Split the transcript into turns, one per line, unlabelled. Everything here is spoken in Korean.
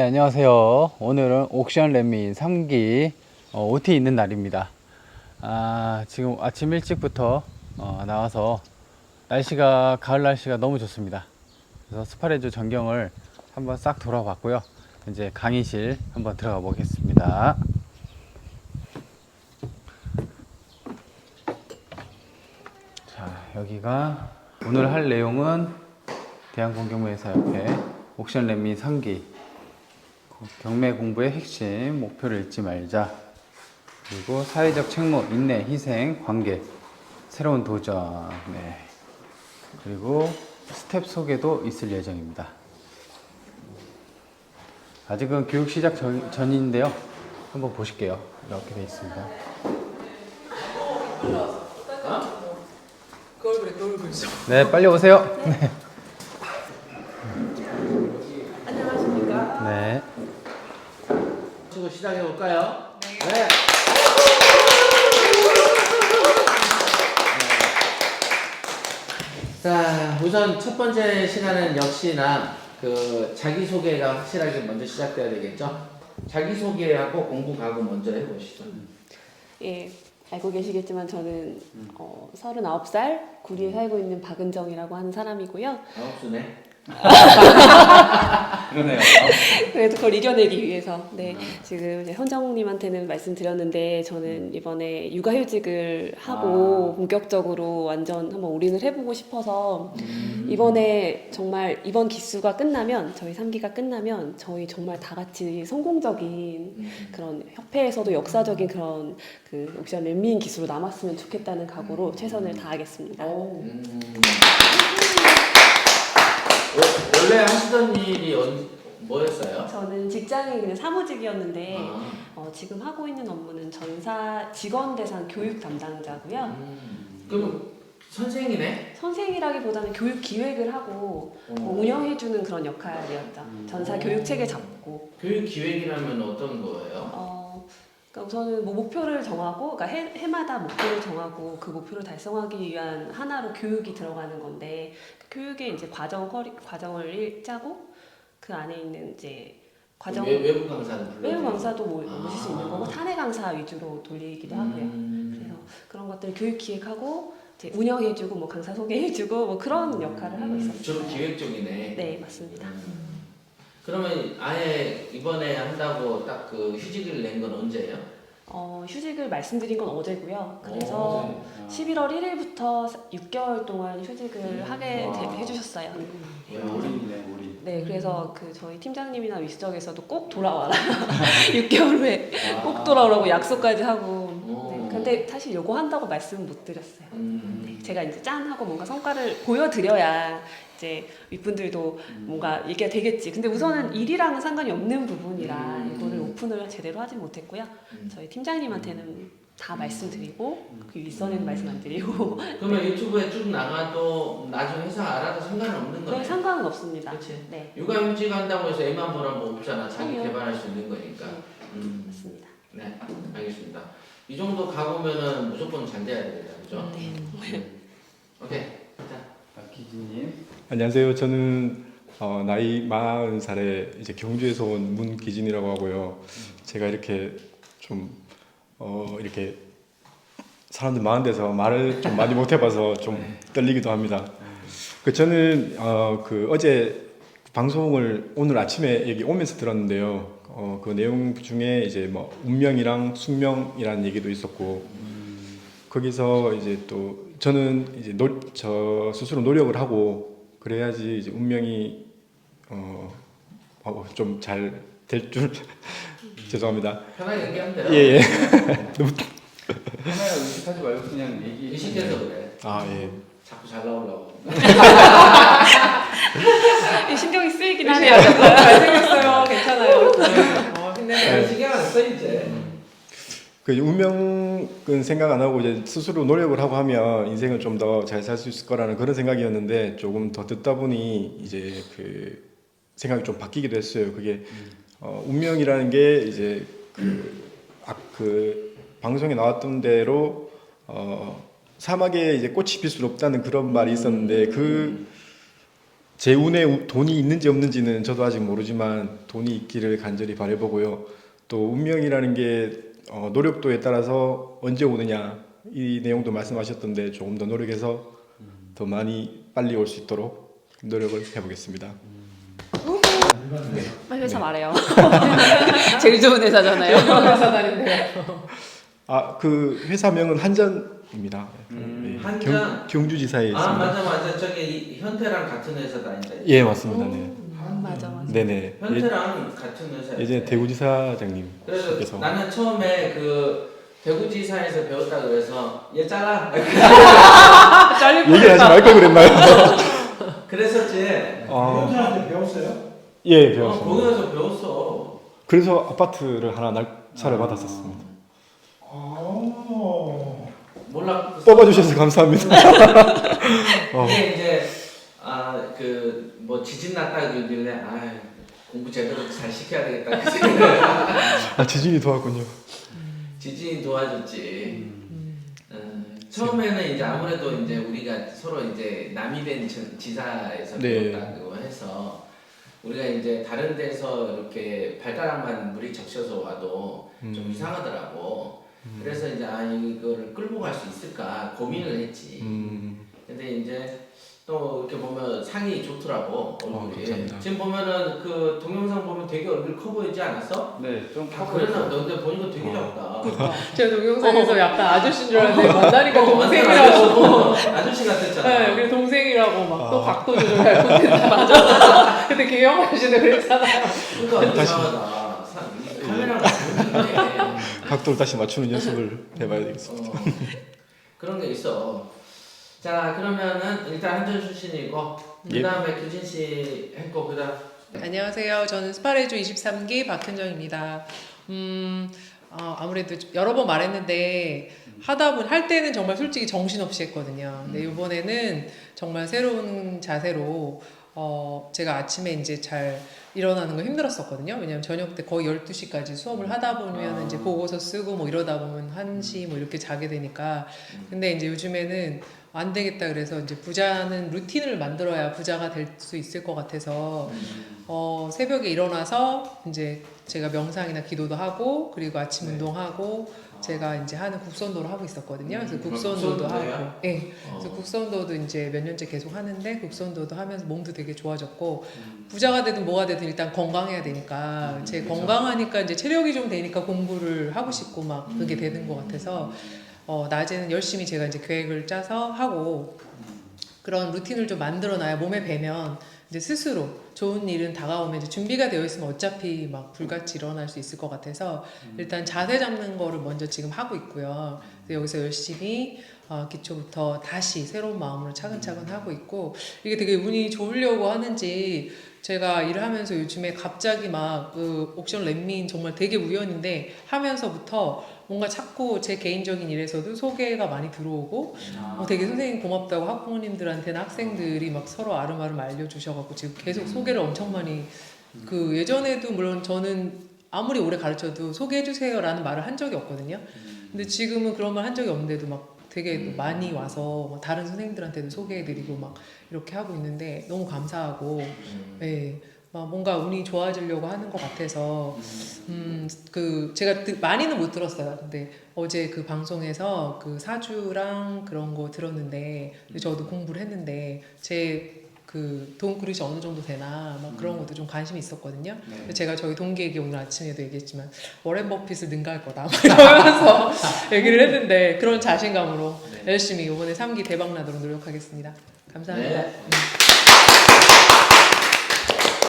안녕하세요. 오늘은 옥션 렛민 3기 OT 있는 날입니다. 지금 아침 일찍부터 나와서 날씨가 가을 날씨가 너무 좋습니다. 그래서 스파레주 전경을 한번 싹 돌아봤고요. 이제 강의실 한번 들어가 보겠습니다. 자, 여기가 오늘 할 내용은 대한공경무회사 옆에 옥션 렛민 3기 경매 공부의 핵심, 목표를 잊지 말자. 그리고 사회적 책무, 인내, 희생, 관계, 새로운 도전. 네. 그리고 스텝 소개도 있을 예정입니다. 아직은 교육 시작 전인데요. 한번 보실게요. 이렇게 돼 있습니다. 네, 빨리 오세요. 네.
안녕하십니까?
네.
시작해 볼까요? 네. 자, 우선 첫 번째 시간은 역시나 그 자기소개가 확실하게 먼저 시작돼야 되겠죠? 자기소개하고 공부 가고 먼저 해보시죠.
예, 알고 계시겠지만 저는 39살 구리에 살고 있는 박은정이라고 하는 사람이고요.
아홉수네.
그러네요.
그래도 그걸 이겨내기 위해서 지금 이제 현정님한테는 말씀드렸는데 저는 이번에 육아휴직을 하고 본격적으로 완전 한번 올인을 해보고 싶어서 이번에 정말 이번 기수가 끝나면 저희 3기가 끝나면 저희 정말 다 같이 성공적인 그런 협회에서도 역사적인 그런 그 옥션 렛민 기수로 남았으면 좋겠다는 각오로 최선을 다하겠습니다.
원래 하시던 일이 뭐였어요?
저는 직장이 그냥 사무직이었는데 지금 하고 있는 업무는 전사 직원 대상 교육 담당자고요.
그럼 선생이네?
선생이라기보다는 교육 기획을 하고 운영해주는 그런 역할이었죠. 전사 교육 체계 잡고.
교육 기획이라면 어떤 거예요?
그러니까 우선은 뭐 목표를 정하고, 그러니까 해마다 목표를 정하고 그 목표를 달성하기 위한 하나로 교육이 들어가는 건데 그 교육의 이제 과정을 짜고 그 안에 있는 이제 과정
외부 강사는 불러요?
외부 강사도 모실 수 있는 거고 탄핵 강사 위주로 돌리기도 하고요. 그래서 그런 것들 교육 기획하고 이제 운영해주고 뭐 강사 소개해주고 뭐 그런 역할을 하고 있었어요.
주로 기획 쪽이네.
네, 맞습니다.
그러면 아예 이번에 한다고 딱 그 휴직을 낸 건 언제예요?
휴직을 말씀드린 건 어제고요. 그래서 11월 1일부터 6개월 동안 휴직을 하게 해주셨어요.
올인이네, 올인.
네, 그래서 그 저희 팀장님이나 위수적에서도 꼭 돌아와라. 6개월 후에 꼭 돌아오라고 약속까지 하고. 네, 근데 사실 요거 한다고 말씀 못 드렸어요. 네, 제가 이제 짠 하고 뭔가 성과를 보여드려야 이제 윗분들도 뭔가 이게 되겠지. 근데 우선은 일이랑은 상관이 없는 부분이라 이거를 오픈을 제대로 하지 못했고요. 저희 팀장님한테는 다 말씀드리고 그 윗선에는 말씀 안 드리고.
그러면 유튜브에 쭉 나가도 나중에 회사 알아도 상관은 없는 거네?
네, 상관은 없습니다.
그치?
네.
육아휴직 한다고 해서 애만 보라면 뭐 없잖아. 자기
아니요.
개발할 수 있는 거니까.
맞습니다.
네, 알겠습니다. 이 정도 가보면은 무조건 잘 돼야 되겠다, 그죠?
네.
오케이. 자,
기진님.
안녕하세요. 저는 나이 40살에 이제 경주에서 온 문기진이라고 하고요. 제가 이렇게 좀 이렇게 사람들 많은 데서 말을 좀 많이 못 해봐서 좀 떨리기도 합니다. 저는 그 어제 방송을 오늘 아침에 여기 오면서 들었는데요. 그 내용 중에 이제 뭐 운명이랑 숙명이라는 얘기도 있었고 거기서 이제 또 저는 이제 저 스스로 노력을 하고 그래야지 이제 운명이 좀 잘 될 줄 죄송합니다.
편하게 얘기하면 돼요.
예예.
카메라 의식하지 말고 그냥 얘기.
의식해서 그래.
아 예.
자꾸 잘 나오려고.
신경이 쓰이긴 하네요. 잘생겼어요. 괜찮아요.
근데 신경 안 써, 이제.
그 운명은 생각 안 하고 이제 스스로 노력을 하고 하면 인생을 좀 더 잘 살 수 있을 거라는 그런 생각이었는데 조금 더 듣다 보니 이제 그 생각이 좀 바뀌기도 했어요. 그게 운명이라는 게 이제 그 방송에 나왔던 대로 사막에 이제 꽃이 필 수 없다는 그런 말이 있었는데 제 운에 돈이 있는지 없는지는 저도 아직 모르지만 돈이 있기를 간절히 바라보고요. 또 운명이라는 게 노력도에 따라서 언제 오느냐 이 내용도 말씀하셨던데 조금 더 노력해서 더 많이 빨리 올 수 있도록 노력을 해보겠습니다.
빨리 회사 말해요. 제일 좋은 회사잖아요. 제일 좋은 회사 다닌데.
그 회사명은 한전입니다. 네,
한전?
경주지사에 있습니다.
맞아. 저기 현태랑 같은 회사 다닌다.
예, 맞습니다. 네.
맞아.
네네.
현태랑 같은 회사.
예전에 대구지사장님.
그래서 나는 처음에 그 대구지사에서 배웠다 그래서 얘 잘라.
얘기를 하지 말 걸 그랬나요?
그랬었지.
현준한테 배웠어요?
예, 배웠습니다.
거기서 배웠어.
그래서 아파트를 하나 날차를 받았었습니다.
몰라.
뽑아주셔서 감사합니다.
이게 이제 그 뭐 지진 났다 그러길래 공부 제대로 잘 시켜야 되겠다.
지진이 도왔군요.
지진이 도와줬지. 처음에는 이제 아무래도 이제 우리가 서로 이제 남이 된 지사에서
네.
배웠다고 해서 우리가 이제 다른 데서 이렇게 발가락만 물이 적셔서 와도 좀 이상하더라고. 그래서 이제 이거를 끌고 갈 수 있을까 고민을 했지. 근데 이제 또 이렇게 보면 상이 좋더라고 얼굴이.
감사합니다.
지금 보면은 그 동영상 보면 되게 얼굴 커 보이지 않았어?
네, 좀
그랬나? 너 근데 보니까 되게 작다.
제가 동영상에서 약간 아저씨인 줄 알았는데 만나니까 동생이라고.
아저씨 같았잖아.
네, 그래서 동생이라고 막 또 각도 조절할 콘텐츠 맞아. 근데 김영호 아저씨도 그랬잖아요.
그러니까 이상하다. 카메라가 보이는데
각도를 다시 맞추는 연습을 해봐야 되겠습니다.
그런 게 있어. 자 그러면은 일단 한전 출신이고 그 다음에 규진 씨 했고 그다음.
안녕하세요. 저는 스파레주 23기 박현정입니다. 아무래도 여러 번 말했는데 할 때는 정말 솔직히 정신없이 했거든요. 근데 이번에는 정말 새로운 자세로 제가 아침에 이제 잘 일어나는 거 힘들었었거든요. 왜냐면 저녁 때 거의 12시까지 수업을 하다 보면 이제 보고서 쓰고 뭐 이러다 보면 1시 뭐 이렇게 자게 되니까. 근데 이제 요즘에는 안 되겠다 그래서 이제 부자는 루틴을 만들어야 부자가 될 수 있을 것 같아서 새벽에 일어나서 이제 제가 명상이나 기도도 하고 그리고 아침 운동하고 제가 이제 하는 국선도를 하고 있었거든요. 그래서 국선도도 하고, 네. 그래서 국선도도 이제 몇 년째 계속 하는데 국선도도 하면서 몸도 되게 좋아졌고 부자가 되든 뭐가 되든 일단 건강해야 되니까 제 건강하니까 이제 체력이 좀 되니까 공부를 하고 싶고 막 그게 되는 것 같아서 낮에는 열심히 제가 이제 계획을 짜서 하고 그런 루틴을 좀 만들어놔야 몸에 배면 이제 스스로 좋은 일은 다가오면 이제 준비가 되어 있으면 어차피 막 불같이 일어날 수 있을 것 같아서 일단 자세 잡는 거를 먼저 지금 하고 있고요. 그래서 여기서 열심히 기초부터 다시 새로운 마음으로 차근차근 하고 있고 이게 되게 운이 좋으려고 하는지 제가 일을 하면서 요즘에 갑자기 막 그 옥션 렛민 정말 되게 우연인데 하면서부터 뭔가 자꾸 제 개인적인 일에서도 소개가 많이 들어오고 되게 선생님 고맙다고 학부모님들한테는 학생들이 막 서로 아름아름 알려주셔갖고 지금 계속 소개를 엄청 많이 그 예전에도 물론 저는 아무리 오래 가르쳐도 소개해주세요라는 말을 한 적이 없거든요. 근데 지금은 그런 말 한 적이 없는데도 막 되게 많이 와서 막 다른 선생님들한테도 소개해드리고 막 이렇게 하고 있는데 너무 감사하고 네. 뭔가 운이 좋아지려고 하는 것 같아서 그 제가 많이는 못 들었어요. 근데 어제 그 방송에서 그 사주랑 그런 거 들었는데 저도 공부를 했는데 제 그 돈 그릇이 어느 정도 되나 막 그런 것도 좀 관심이 있었거든요.
네.
제가 저희 동기에게 오늘 아침에도 얘기했지만 워렌 버핏을 능가할 거다 막 이러면서 얘기를 했는데 그런 자신감으로 열심히 이번에 3기 대박 나도록 노력하겠습니다. 감사합니다.
네.